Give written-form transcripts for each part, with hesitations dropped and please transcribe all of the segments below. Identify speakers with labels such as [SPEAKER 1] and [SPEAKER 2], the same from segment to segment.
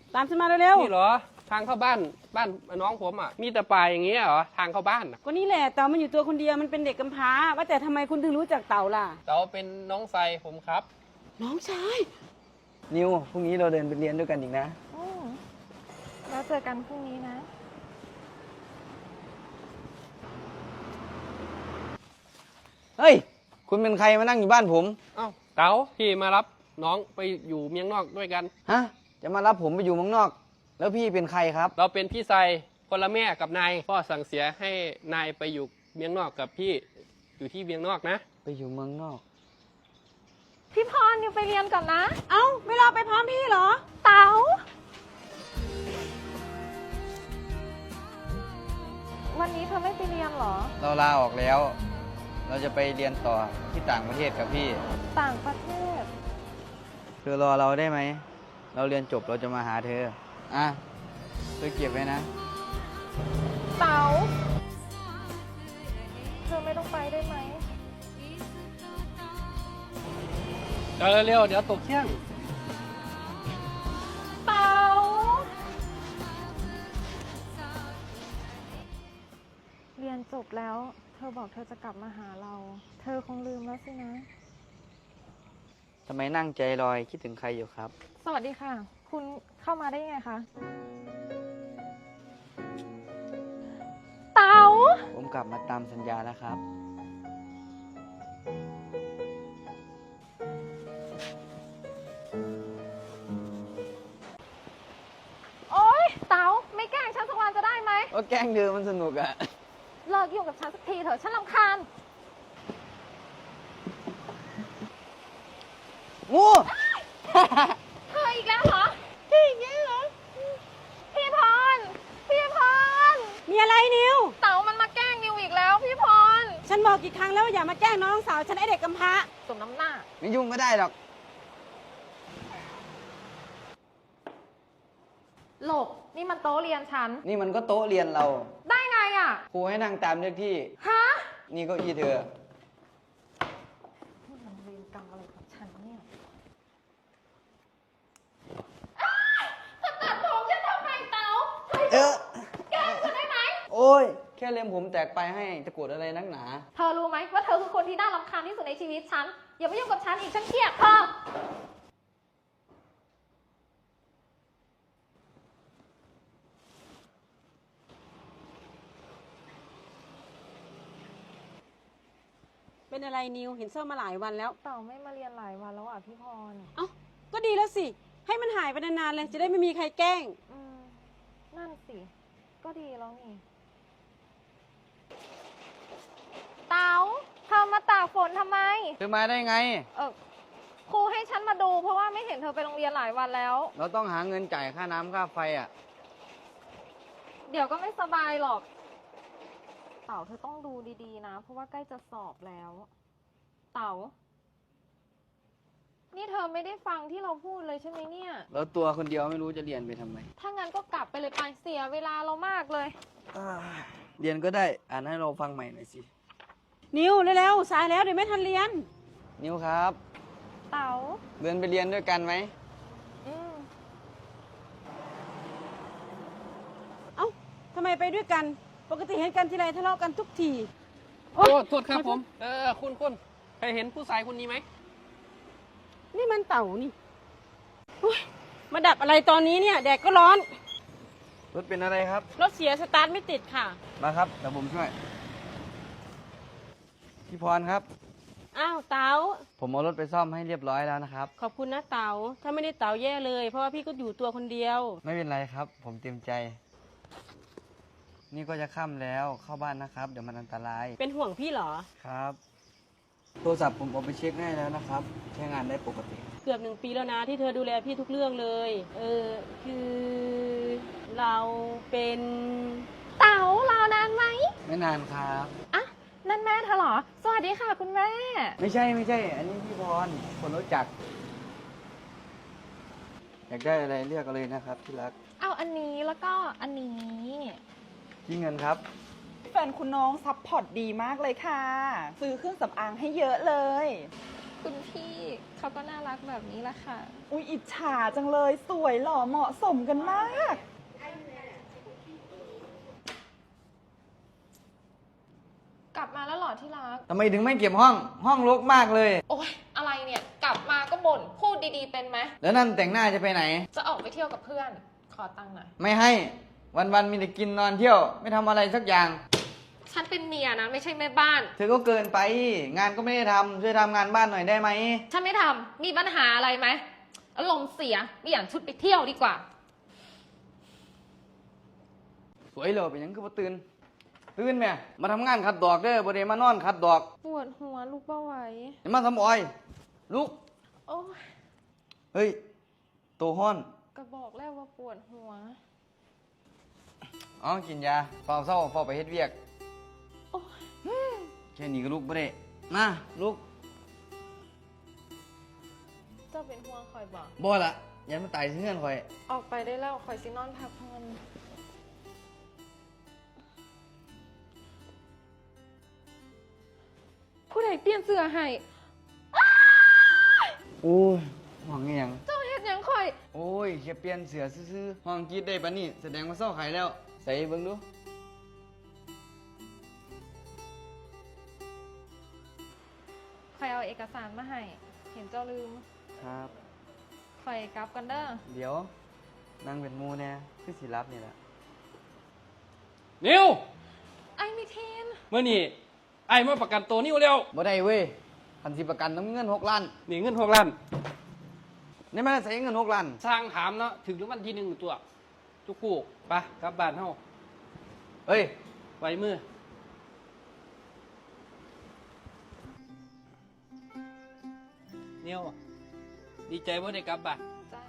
[SPEAKER 1] ตามฉันมาเร็ว
[SPEAKER 2] นี่เหรอทางเข้าบ้านน้องผมอ่ะมีแต่ป่าอย่างเงี้ยเหรอทางเข้าบ้านอ่ะ
[SPEAKER 1] ๆก็นี่แหละเต่ามันอยู่ตัวคนเดียวมันเป็นเด็กกำพร้าว่าแต่ทำไมคุณถึงรู้จักเต่าล่ะ
[SPEAKER 2] เต๋าเป็นน้องไซผมครับ
[SPEAKER 1] น้องชาย
[SPEAKER 3] นิวพรุ่งนี้เราเดินไปเรียนด้วยกันอีกนะ
[SPEAKER 4] อืมแล้วเจอกันพรุ่งนี้นะ
[SPEAKER 3] เฮ้ย คุณเป็นใครมานั่งอยู่บ้านผม
[SPEAKER 2] เอ้าเต๋าพี่มารับน้องไปอยู่เมียงนอกด้วยกัน
[SPEAKER 3] ฮะ จะมารับผมไปอยู่เมืองนอก แล้วพี่เป็นใครครับ
[SPEAKER 2] เราเป็นพี่ไซคนละแม่กับนายพ่อสั่งเสียให้นายไปอยู่เมียงนอกกับพี่อยู่ที่เมียงนอกนะ
[SPEAKER 3] ไปอยู่เมืองนอก
[SPEAKER 4] พี่พรอยู่ไปเรียนก่อนนะ
[SPEAKER 1] เอ้าไม่รอไปพร้อมพี่เหรอ
[SPEAKER 4] เต๋าวันนี้เธอไม่ไปเรียนเหรอ
[SPEAKER 3] เราลาออกแล้ว เราจะไปเรียนต่อที่ต่างประเทศกับพี่
[SPEAKER 4] ต่างประเทศ
[SPEAKER 3] เธอรอเราได้ไหม เราเรียนจบเราจะมาหาเธอ อ่ะเธอเก็บไว้นะ
[SPEAKER 4] เต๋าเธอไม่ต้องไปได้ไหม
[SPEAKER 2] เร็วเดี๋ยวตกเที่ยง
[SPEAKER 4] เต๋าเรียนจบแล้ว เธอบอกเธอจะกลับมาหาเรา เธอคงลืมแล้วสินะ
[SPEAKER 3] ทำไมนั่งใจลอยคิดถึงใครอยู่ครับ
[SPEAKER 4] สวัสดีค่ะ คุณเข้ามาได้ยังไงคะ เต๋า
[SPEAKER 3] ผมกลับมาตามสัญญาแล้วครับ
[SPEAKER 4] โอ๊ย เต๋าไม่แกล้งฉันสักวันจะได้ไหม
[SPEAKER 3] ก็แกล้งเธอมันสนุกอะ
[SPEAKER 4] เลิกยุ่งกับฉันสักทีเถอะฉันรำคาญ
[SPEAKER 3] งู
[SPEAKER 4] เธออีกแล้วเหรอพี่อีกแล้วเหรอ พี่พร พี่พร
[SPEAKER 1] มีอะไรนิว
[SPEAKER 4] เต๋ามันมาแกล้งนิวอีกแล้วพี่พร
[SPEAKER 1] ฉันบอกกี่ครั้งแล้วว่าอย่ามาแกล้งน้องสาวฉันไอเด็กกำพร้า
[SPEAKER 4] สมน้ำหน้า
[SPEAKER 3] ไม่ยุ่งก็ได้หรอก
[SPEAKER 4] หลบ นี่มันโต๊ะเรียนฉัน
[SPEAKER 3] นี่มันก็โต๊ะเรียนเรา
[SPEAKER 4] ได้ไงอ่ะ
[SPEAKER 3] ครูให้นั่งตามเลขที่
[SPEAKER 4] ฮะ
[SPEAKER 3] นี่เก็อีเธอ
[SPEAKER 4] นี่มันเวรกรรมอะไรกับฉันเนี่ยเธอตัดผมฉันทำไมเต๋า
[SPEAKER 3] เออ
[SPEAKER 4] แกล้งฉันได้ไหม
[SPEAKER 3] โอ้ย แค่เล็มผมแตกไปให้จะโกรธอะไรนักหนา
[SPEAKER 4] เธอรู้ไหมว่าเธอคือคนที่น่ารำคาญที่สุดในชีวิตฉัน อย่ามายุ่งกับฉันอีกฉันเกลียดเธอ
[SPEAKER 1] เป็นอะไรนิวเห็นเศร้ามาหลายวันแล้ว
[SPEAKER 4] เต่าไม่มาเรียนหลายวันแล้วอ่ะพี่พร
[SPEAKER 1] เอ้าก็ดีแล้วสิให้มันหายไปนานๆเลยจะได้ไม่มีใครแกล้ง
[SPEAKER 4] นั่นสิ ก็ดีแล้วนี่ เต๋าเธอมาตากฝนทำไม
[SPEAKER 3] เธอมาได้ไง
[SPEAKER 4] ครูให้ฉันมาดูเพราะว่าไม่เห็นเธอไปโรงเรียนหลายวันแล้ว
[SPEAKER 3] เราต้องหาเงินจ่ายค่าน้ำค่าไฟอ่ะ
[SPEAKER 4] เดี๋ยวก็ไม่สบายหรอก เต๋าเธอต้องดูดีๆนะ เพราะว่าใกล้จะสอบแล้ว เต๋า นี่เธอไม่ได้ฟังที่เราพูดเลยใช่ไหมเนี่ย
[SPEAKER 3] แล้วตัวคนเดียวไม่รู้จะเรียนไปทำไม
[SPEAKER 4] ถ้างั้นก็กลับไปเลยไปเสียเวลาเรามากเลย
[SPEAKER 3] เรียนก็ได้ อ่านให้เราฟังใหม่หน่อยสิ
[SPEAKER 1] นิวเร็วๆสายแล้วเดี๋ยวไม่ทันเรียน
[SPEAKER 3] นิวครับ
[SPEAKER 4] เต๋า
[SPEAKER 3] เดินไปเรียนด้วยกันไหม
[SPEAKER 4] อืม
[SPEAKER 1] เอ้าทำไมไปด้วยกัน ปกติเห็นกันทีไรทะเลาะกันทุกที
[SPEAKER 2] โอ้โทษครับผม คุณเคยเห็นผู้ชายคนนี้ไหม
[SPEAKER 1] นี่มันเต่านี่อุ๊ยมาดับอะไรตอนนี้เนี่ยแดดก็ร้อน
[SPEAKER 3] รถเป็นอะไรครับ
[SPEAKER 1] รถเสียสตาร์ทไม่ติดค่ะ
[SPEAKER 3] มาครับเดี๋ยวผมช่วย พี่พรครับ
[SPEAKER 1] อ้าวเต๋า
[SPEAKER 3] ผมเอารถไปซ่อมให้เรียบร้อยแล้วนะครับ
[SPEAKER 1] ขอบคุณนะเต๋าถ้าไม่ได้เต๋าแย่เลย เพราะว่าพี่ก็อยู่ตัวคนเดียว
[SPEAKER 3] ไม่เป็นไรครับ ผมเต็มใจ นี่ก็จะค่ำแล้วเข้าบ้านนะครับ เดี๋ยวมันอันตราย
[SPEAKER 1] เป็นห่วงพี่เหรอ
[SPEAKER 3] ครับ โทรศัพท์ผมเอาไปเช็คให้แล้วนะครับ ใช้งานได้ปกติ
[SPEAKER 1] เกือบ1 ปีแล้วนะที่เธอดูแลพี่ทุกเรื่องเลย คือเราเป็น
[SPEAKER 4] เต๋ารอนานไหม
[SPEAKER 3] ไม่นานครับ
[SPEAKER 4] อ่ะ นั่นแม่เธอเหรอ สวัสดีค่ะคุณแม่
[SPEAKER 3] ไม่ใช่ อันนี้พี่พร คนรู้จัก อยากได้อะไรเรียกเอาเลยนะครับที่รัก
[SPEAKER 4] เอาอันนี้แล้วก็อันนี้
[SPEAKER 3] ที่เงินครับ
[SPEAKER 5] แฟนคุณน้องซัพพอร์ตดีมากเลยค่ะ ซื้อเครื่องสำอางให้เยอะเลย
[SPEAKER 4] คุณพี่เขาก็น่ารักแบบนี้แหละค่ะ
[SPEAKER 5] อุ๊ยอิจฉาจังเลยสวยหล่อเหมาะสมกันมาก
[SPEAKER 4] กลับมาแล้วเหรอที่รัก
[SPEAKER 3] ทำไมถึงไม่เก็บห้องรกมากเลย
[SPEAKER 4] โอ๊ยอะไรเนี่ย กลับมาก็บ่นพูดดีๆเป็นไหม
[SPEAKER 3] แล้วนั่นแต่งหน้าจะไปไหน
[SPEAKER 4] จะออกไปเที่ยวกับเพื่อน ขอตังค์หน่อย
[SPEAKER 3] ไม่ให้ วันๆมีแต่กินนอนเที่ยว ไม่ทำอะไรสักอย่าง
[SPEAKER 4] ฉันเป็นเมียนะ ไม่ใช่แม่บ้าน
[SPEAKER 3] เธอก็เกินไป งานก็ไม่ได้ทำช่วยทำงานบ้านหน่อยได้ไหม
[SPEAKER 4] ฉันไม่ทำมีปัญหาอะไรไหมอารมณ์เสียเปลี่ยนชุดไปเที่ยวดีกว่า
[SPEAKER 3] สวยเหรอเป็นหยังคือบ่ตื่นแม่มาทำงานขัดดอกเด้อบ่ได้มานอนขัดดอก
[SPEAKER 4] ปวดหัวลูกเบาไหว
[SPEAKER 3] อย่ามาทำอ้อยลุก
[SPEAKER 4] โอ้ย
[SPEAKER 3] เฮ้ยโตห้อน
[SPEAKER 4] ก็บอกแล้วว่าปวดหัว
[SPEAKER 3] อ๋อกินยาเฝ้าเศร้าเฝ้าไปเฮ็ดเวียก
[SPEAKER 4] โอ้ย
[SPEAKER 3] แค่นี้ก็ลุกบ่ได้มาลุก
[SPEAKER 4] เจ้าเป็นห่วงคอยบอก
[SPEAKER 3] บ่ละยันมาตายเงื่อนข่อย
[SPEAKER 4] ออกไปได้แล้วคอยซินอนพักผ่อนผู้ใดเปลี่ยนเสื้อให้
[SPEAKER 3] โอ้ยห้องอีหยัง
[SPEAKER 4] เจ้าเฮ็ดหยังคอย
[SPEAKER 3] โอ้ยแค่เปลี่ยนเสือซื่อๆห้องกรีดได้ปะนี่แสดงว่าเศร้าไข่แล้ว ใส่เบิ่งดู
[SPEAKER 4] คอยเอาเอกสารมาให้ เห็นเจ้าลืม
[SPEAKER 3] ครับ
[SPEAKER 4] คอยกลับกันเด้อ
[SPEAKER 3] เดี๋ยวนั่งเป็นหมูแน่คือสิรับนี่แหละ
[SPEAKER 2] นิว
[SPEAKER 4] ไอ้มิเทน
[SPEAKER 2] เมื่อนี่ไอ้มาประกันตัวนิวเร็ว
[SPEAKER 3] บ่ได้เว้ยคันสิประกันต้องมีเงิน6 ล้าน
[SPEAKER 2] นี่เงิน6 ล้าน
[SPEAKER 3] นี่มันใส่เงิน6 ล้าน
[SPEAKER 2] สร้างถามเนาะถึงรางวัลที่1ตัวจุกกูไปกลับบ้านเฮา
[SPEAKER 3] เฮ้ย
[SPEAKER 2] ไว้มือนิวดีใจว่าได้กลับบ้าน
[SPEAKER 4] จ้า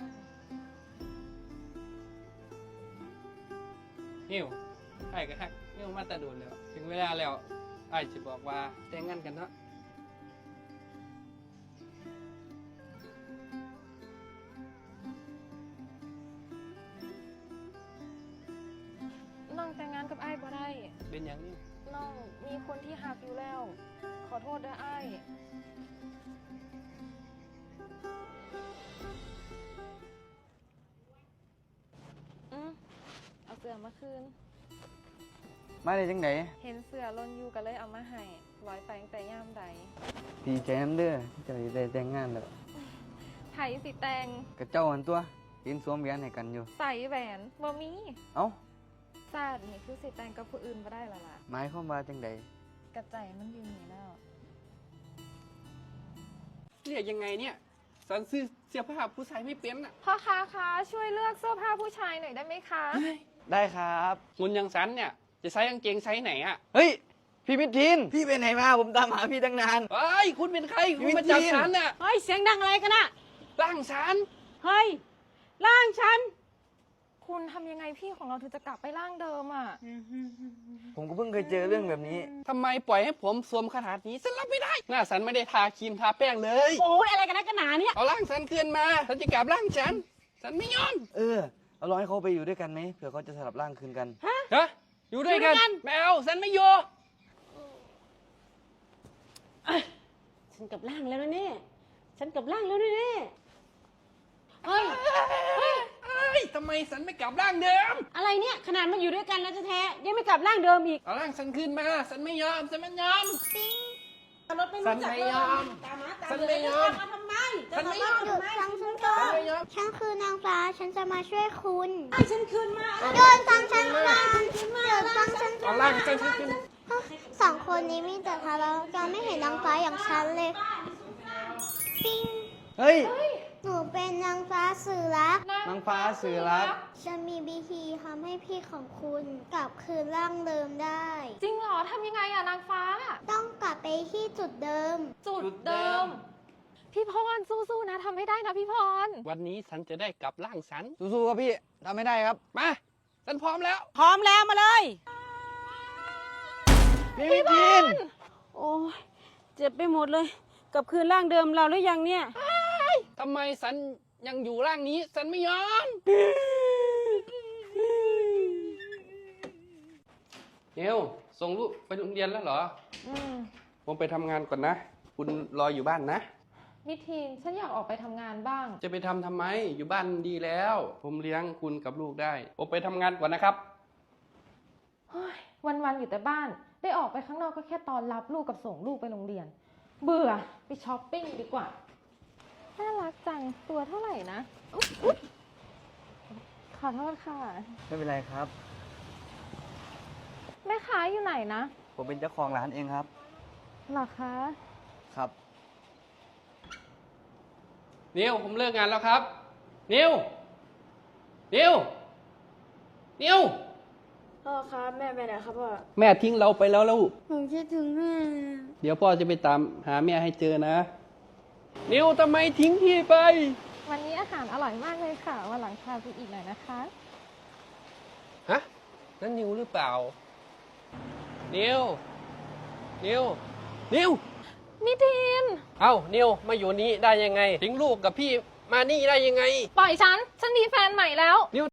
[SPEAKER 2] นิวไอ้ก็ฮักนิวมาแตะโดนแล้ว ถึงเวลาแล้วไอ้จะบอกว่าแต่งงานกันเนาะ
[SPEAKER 4] น้องแต่งงานกับไอ้บ่ได้
[SPEAKER 2] เป็นอย่างนี้
[SPEAKER 4] น้องมีคนที่หักอยู่แล้ว ขอโทษด้วยไอ้เอาเสื้อมาคืน
[SPEAKER 3] มาได้จังได
[SPEAKER 4] เห็นเสื้อลนอยู่ก็เลยเอามาให้ร้อยไปตั้งแต่ย่ามใด
[SPEAKER 3] ดีใจนำเด้อที่จะได้แต่งงานแล้ว
[SPEAKER 4] ไผสิแตง
[SPEAKER 3] กับเจ้าหันตัวยืนสวมแหวนให้กันอยู่
[SPEAKER 4] ใส่แหวนบ่มี
[SPEAKER 3] เอ้า
[SPEAKER 4] ซาดนี่คือสิแตงกับผู้อื่นบ่ได้ละล่ะ
[SPEAKER 3] หมายความว่าจังได
[SPEAKER 4] กระใจมันอยู่นี่แล้ว
[SPEAKER 2] เรียกยังไงเนี่ยสันซื้อเสื้อผ้าผู้ชายไม่เป็นอ่ะ
[SPEAKER 4] พ่อค้าคะช่วยเลือกเสื้อผ้าผู้ชายหน่อยได้ไหมคะ
[SPEAKER 3] ได้ครับ
[SPEAKER 2] คุณยังสันเนี่ย จะใส่กางเกงไซส์ไหนอ่ะ
[SPEAKER 3] เฮ้ย พี่มิทิน พี่ไปไหนมา ผมตามหาพี่ตั้งนาน
[SPEAKER 2] เฮ้ย คุณเป็นใคร คุณมาจับฉันน่ะ
[SPEAKER 1] เฮ้ย เสียงดังอะไรกันอะ
[SPEAKER 2] ร่างฉัน
[SPEAKER 1] เฮ้ย ร่างฉัน
[SPEAKER 4] คุณทำยังไงพี่ของเราถึงจะกลับไปร่างเดิมอ่ะ
[SPEAKER 3] ผมก็เพิ่งเคยเจอเรื่องแบบนี้
[SPEAKER 2] ทำไมปล่อยให้ผมสวมขนาดนี้ฉันรับไม่ได้ หน้าฉันไม่ได้ทาครีมทาแป้งเลย
[SPEAKER 1] โอ้ยอะไรกันนะกันหนาเนี่ย
[SPEAKER 2] เอาร่างฉันคืนมาฉันจะกลับร่างฉัน ฉันไม่ยอม
[SPEAKER 3] เออ เอาลองให้เขาไปอยู่ด้วยกันไหมเผื่อเขาจะสลับร่างคืนกัน
[SPEAKER 2] ฮะ อยู่ด้วยกัน
[SPEAKER 1] อยู่ด้วยกัน
[SPEAKER 2] แมวฉันไม่อยู่
[SPEAKER 1] ฉันกลับร่างแล้วนะเนี่ยฉันกลับร่างแล้วนะเนี่ยเฮ้ย
[SPEAKER 2] เอ้ยทำไมฉันไม่กลับร่างเดิม
[SPEAKER 1] อะไรเนี่ย ขนาดมาอยู่ด้วยกันแล้วแท้ๆยังไม่กลับร่างเดิมอีก
[SPEAKER 2] เอาร่างฉันคืนมา ฉันไม่ยอม ฉันไม่ยอม
[SPEAKER 1] รถไม่รู้จัก
[SPEAKER 2] ฉันไม่ยอม
[SPEAKER 1] ตามมาตาม
[SPEAKER 2] ฉัน
[SPEAKER 1] เล
[SPEAKER 2] ไม่
[SPEAKER 1] ย
[SPEAKER 2] ยอม
[SPEAKER 1] มาทำไม
[SPEAKER 2] ฉันไม่ยอม
[SPEAKER 1] จะาทำไม
[SPEAKER 6] ฟังฉันก่อ
[SPEAKER 2] ฉัน
[SPEAKER 6] น
[SPEAKER 2] ไม่ยอม
[SPEAKER 6] ฉันคือนางฟ้า ฉันจะมาช่วยคุณ
[SPEAKER 1] ให้ฉันคืนมา
[SPEAKER 6] โดนฟังฉันก่อนเดี๋ยวฟังฉันก่
[SPEAKER 2] เอา
[SPEAKER 6] อน
[SPEAKER 2] ร่างฉันคืน
[SPEAKER 6] สองคนนี้มีแต่ทะเลาะกันไม่เห็นนางฟ้าอย่างฉันเลย ปิ้ง
[SPEAKER 3] เฮ้ย
[SPEAKER 6] หนูเป็นนางฟ้าสื่อรัก
[SPEAKER 3] นางฟ้าสื่อรัก
[SPEAKER 6] จะมีวิธีทำให้พี่ของคุณกลับคืนร่างเดิมได้
[SPEAKER 4] จริงเหรอทำยังไงอะนางฟ้า
[SPEAKER 6] ต้องกลับไปที่จุดเดิม
[SPEAKER 4] จุดเดิม พี่พรสู้ๆนะทำให้ได้นะพี่พร
[SPEAKER 2] วันนี้ฉันจะได้กลับร่างฉัน
[SPEAKER 3] สู้ๆครับพี่ทำไม่ได้ครับ
[SPEAKER 2] มา ฉันพร้อมแล้ว
[SPEAKER 1] พร้อมแล้วมาเลย
[SPEAKER 3] พี่มิทิน
[SPEAKER 1] โอ้ยเจ็บไปหมดเลย กลับคืนร่างเดิมเราหรือยังเนี่ย
[SPEAKER 2] ทำไมฉันยังอยู่ร่างนี้ ฉันไม่ยอมเอวส่งลูกไปโรงเรียนแล้วเหรอ
[SPEAKER 4] อืม
[SPEAKER 2] ผมไปทำงานก่อนนะ คุณรออยู่บ้านนะ
[SPEAKER 4] มิทีนฉันอยากออกไปทำงานบ้าง
[SPEAKER 2] จะไปทำไมอยู่บ้านดีแล้ว ผมเลี้ยงคุณกับลูกได้ ผมไปทำงานก่อนนะครับ
[SPEAKER 4] วันๆอยู่แต่บ้าน ได้ออกไปข้างนอกก็แค่ตอนรับลูกกับส่งลูกไปโรงเรียน เบื่อไปช้อปปิ้งดีกว่า น่ารักจัง ตัวเท่าไหร่นะอุ๊ยขอโทษค่ะ
[SPEAKER 3] ไม่เป็นไรครับ
[SPEAKER 4] แม่ค้าอยู่ไหนนะ
[SPEAKER 3] ผมเป็นเจ้าของร้านเองครับ
[SPEAKER 4] เหรอคะ
[SPEAKER 3] ครับ
[SPEAKER 2] นิวผมเลิกงานแล้วครับ นิวนิวนิว
[SPEAKER 6] พ่อครับแม่ไปไหนครับพ่อ
[SPEAKER 2] แม่ทิ้งเราไปแล้วลูก
[SPEAKER 6] ผมคิดถึงแม่
[SPEAKER 2] เดี๋ยวพ่อจะไปตามหาแม่ให้เจอนะ นิวทำไมทิ้งพี่ไป
[SPEAKER 4] วันนี้อาหารอร่อยมากเลยค่ะ วันหลังพาไปอีกหน่อยนะคะ
[SPEAKER 2] ฮะ นั่นนิวหรือเปล่า นิว นิว นิว
[SPEAKER 4] มิทีน
[SPEAKER 2] เอ้า นิว มาอยู่นี้ได้ยังไง ทิ้งลูกกับพี่มานี่ได้ยังไง
[SPEAKER 4] ปล่อยฉัน ฉันมีแฟนใหม่แล้ว
[SPEAKER 2] นิว